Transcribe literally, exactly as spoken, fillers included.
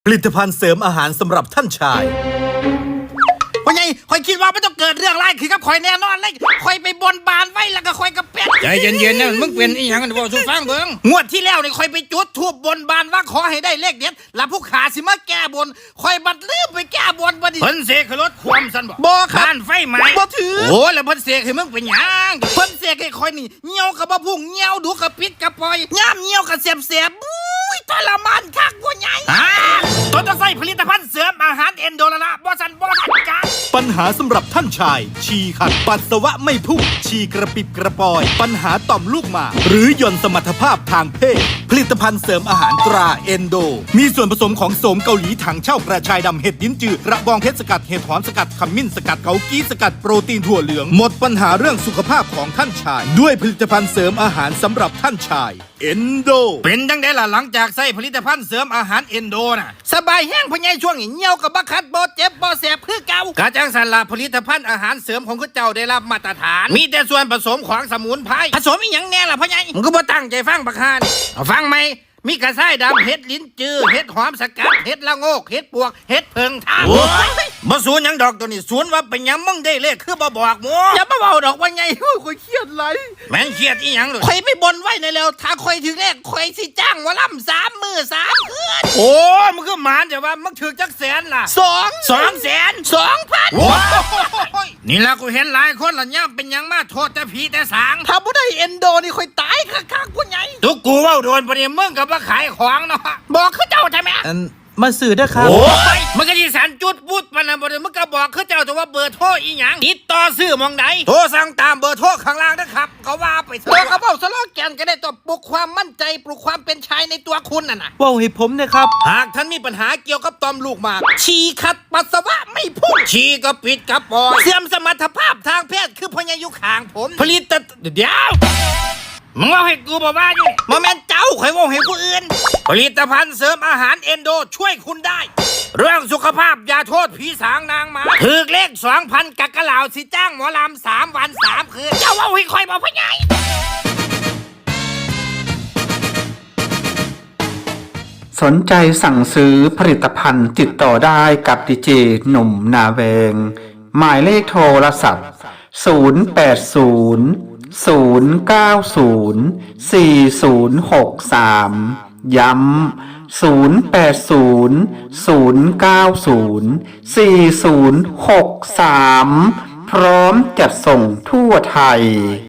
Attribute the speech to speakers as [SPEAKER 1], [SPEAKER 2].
[SPEAKER 1] ผลิตภัณฑ์เสริมอาหารสำหรับท่านชายพ่อใหญ่คอยคิดว่าไม่ต้องเกิดเรื่องร้ายคือกับคอยแน่นอนเลยคอยไปบนบานไว้แล้วก็คอยกระเป็ด
[SPEAKER 2] ใจเย็นๆนะมึงเป็นอีหยังกันบ่สู้ฟังเบิ่ง
[SPEAKER 1] งวดที่แล้วนี่คอยไปจุดทูบบนบานว่าขอให้ได้เลขเด็ดแล้วผู้ขาสิมาแก้บนคอยบัดลืมไปแก้บนบ่ดิ
[SPEAKER 2] เพิ่นเสกให้รถความซั่นบ่
[SPEAKER 1] บ่ครับ
[SPEAKER 2] บ้านไฟไหม้
[SPEAKER 1] บ่ถือ
[SPEAKER 2] โอ้แล้วเพิ่นเสกให้มึงเป็นหยัง
[SPEAKER 1] เพิ่นเสกให้คอยนี่เหี่ยวกับบ่พุ่งเหี่ยวดูกับปิดกับปล่อยย่ามเหี่ยวกับเสียบๆบุ้ยทรมานคักพ่อใหญ่
[SPEAKER 2] ฮะต้นต้องใส่ผลิตภัณฑ์เสริมอาหารเอนโดละละบ่ซั่นบ่ทันกัน
[SPEAKER 1] ปัญหาสำหรับท่านชายฉี่ขัดปัสสาวะไม่พุ่งฉี่กระปิบกระปอยปัญหาต่อมลูกหมากหรือหย่อนสมรรถภาพทางเพศผลิตภัณฑ์เสริมอาหารตราเอนโดมีส่วนผสมของโสมเกาหลีถังเช่ากระชายดำเห็ดลิ้นจืดกระบองเพชรสกัดเห็ดหอมสกัดขมิ้นสกัดเกากี้สกัดโปรตีนถั่วเหลืองหมดปัญหาเรื่องสุขภาพของท่านชายด้วยผลิตภัณฑ์เสริมอาหารสำหรับท่านชายเอนโด
[SPEAKER 2] เป็นจังได๋ล่ะหลังจากใส่ผลิตภัณฑ์เสริมอาหารเอนโดน่ะ
[SPEAKER 1] สบายแห้งพ่อใหญ่ช่วงนี้เหี่ยวกับบ่คัดบ่เจ็บบ่แสบคือเก่ากะ
[SPEAKER 2] จังซั่นล่ะผลิตภัณฑ์อาหารเสริมของคุณเจ้าได้รับมาตรฐานมีแต่ส่วนผสมของสมุนไพร
[SPEAKER 1] ผสมอีหยังแน่ล่ะพ่อใหญ่
[SPEAKER 2] มึงก็บ่ตั้งใจฟังบักห่านี่เอาฟังไหมมีกระชายดำเห็ดลิ้นจือเห็ดหอมสกัดเห็ดละโงกเห็ดปวกเห็ดเพิงทางบ่สูนหยังดอกตัวนี้สูนว่าเป็นหยังมึงได้เลขคือบ่บอกหมู่
[SPEAKER 1] อย่ามาเว้าดอกว่าไงข่อยเครียดไหล
[SPEAKER 2] แม่นเครียดอีหยังเลย
[SPEAKER 1] ข่อยไปบนไว้ในแล้วถ้าข่อยถึงเลขข่อยสิจ้างหมอลำสามมื้อสามคืน
[SPEAKER 2] โอ้มึงคือหมานแต่ว่ามึงถึกจักแสนล่ะ
[SPEAKER 1] สอง
[SPEAKER 2] สองแสน
[SPEAKER 1] สองพัน
[SPEAKER 2] นี่ล่ะกูเห็นหลายคนละย่ำเป็นหยังมาโทษแต่ผีแต่สาง
[SPEAKER 1] ถ้าบ่ได้เอนโดนี่ข่อยตายคักๆพ่อใหญ่
[SPEAKER 2] ทุกกูเว้าโดนบ่ได้มึงก็บ่ขายของเนาะ
[SPEAKER 1] บอกคือเจ้าใช่ไหม
[SPEAKER 3] อันมาสื่อเด้อครับ
[SPEAKER 2] โอ้ยมันก็ที่สันจุดพูดปานนั้นบ่ได้มึงก็บอกคือเจ้าแต่ว่าเบอร์โทรอีหยังติดต่อซื้อหม่องใดโทรสั่งตามเบอร์โทรข้างล่างนะครับก็ว่าไปเถ
[SPEAKER 1] ตัว
[SPEAKER 2] อะ
[SPEAKER 1] กระเป๋าสโลแกนก็ได้ตัวปลุกความมั่นใจปลุกความเป็นชายในตัวคุณน่ะนะ
[SPEAKER 3] เว้าให้ผมนะครับ
[SPEAKER 1] หากท่านมีปัญหาเกี่ยวกับต่อมลูกหมากฉี่ขัดปัสสาวะไม่พุ่ง
[SPEAKER 2] ฉี่ก็ปิดกับปอย
[SPEAKER 1] เสื่อมสมรรถภาพทางเพศคือพญายุขางผม
[SPEAKER 2] ผลิตเดี๋ยวมึงว่าให้กูบอกว่าอยู่
[SPEAKER 1] มาแม่นเจ้าข่อยว่าให้ผู้อื่น
[SPEAKER 2] ผลิตภัณฑ์เสริมอาหารเอนโดช่วยคุณได้เรื่องสุขภาพอย่าโทษผีสางนางมาถือเลขสองพันกักกะเหล่าสิจ้างหมอลำสามวันสามคืน
[SPEAKER 1] เจ้าว่าให้ข่อยบอกพญาย
[SPEAKER 4] สนใจสั่งซื้อผลิตภัณฑ์ติดต่อได้กับดีเจหนุ่มนาแวงหมายเลขโทรศัพท์ศูนย์ แปด ศูนย์ ศูนย์ เก้า ศูนย์ สี่ ศูนย์ หก สามย้ำศูนย์ แปด ศูนย์ ศูนย์ เก้า ศูนย์ สี่ ศูนย์ หก สามพร้อมจัดส่งทั่วไทย